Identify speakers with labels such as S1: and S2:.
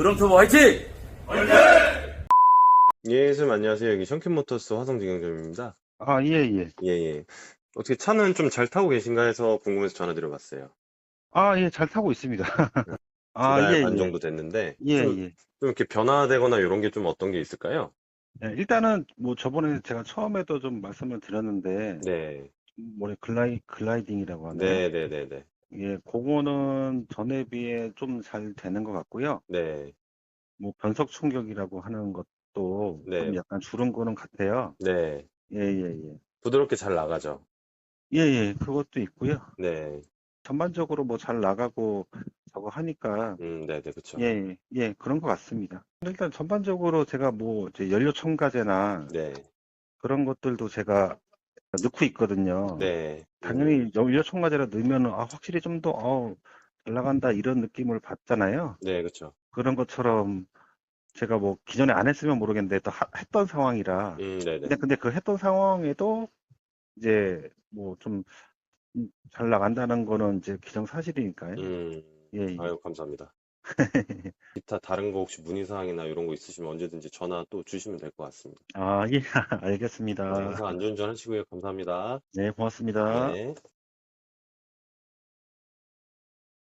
S1: 드럼터보 화이팅!
S2: 예, 선생님 안녕하세요. 여기 션킨모터스 화성직영점입니다.
S3: 아, 예, 예.
S2: 예, 예. 어떻게 차는 좀 잘 타고 계신가 해서 궁금해서 전화드려봤어요.
S3: 아, 예, 잘 타고 있습니다.
S2: 두
S3: 아,
S2: 달
S3: 예,
S2: 반
S3: 예.
S2: 정도 됐는데,
S3: 예,
S2: 좀
S3: 예.
S2: 이렇게 변화되거나 이런 게 좀 어떤 게 있을까요?
S3: 예, 일단은 뭐 저번에 제가 처음에도 좀 말씀을 드렸는데,
S2: 네,
S3: 뭐래 글라이딩이라고 하나요?
S2: 네, 네, 네, 네,
S3: 예, 그거는 전에 비해 좀 잘 되는 것 같고요.
S2: 네,
S3: 뭐 변속 충격이라고 하는 것도 좀
S2: 네,
S3: 약간 줄은 거는 같아요.
S2: 네.
S3: 예, 예, 예.
S2: 부드럽게 잘 나가죠.
S3: 예, 예, 그것도 있고요.
S2: 네,
S3: 전반적으로 뭐 잘 나가고 저거 하니까,
S2: 네, 네, 그쵸.
S3: 예, 예, 예, 그런 것 같습니다. 일단 전반적으로 제가 뭐 이제 연료 첨가제나
S2: 네,
S3: 그런 것들도 제가 넣고 있거든요.
S2: 네,
S3: 당연히 연료 첨가제라 넣으면 확실히 좀 더 잘 나간다 이런 느낌을 받잖아요.
S2: 네, 그쵸.
S3: 그런 것처럼 제가 뭐 기존에 안 했으면 모르겠는데 또 했던 상황이라.
S2: 네, 네.
S3: 근데 그 했던 상황에도 이제 뭐 좀 잘 나간다는 거는 이제 기정사실이니까요. 예, 예.
S2: 아유, 감사합니다. 기타 다른 거 혹시 문의사항이나 이런 거 있으시면 언제든지 전화 또 주시면 될 것 같습니다.
S3: 아, 예,
S2: 네,
S3: 알겠습니다.
S2: 항상 안전운전 하시고요. 감사합니다.
S3: 네, 고맙습니다.
S2: 네.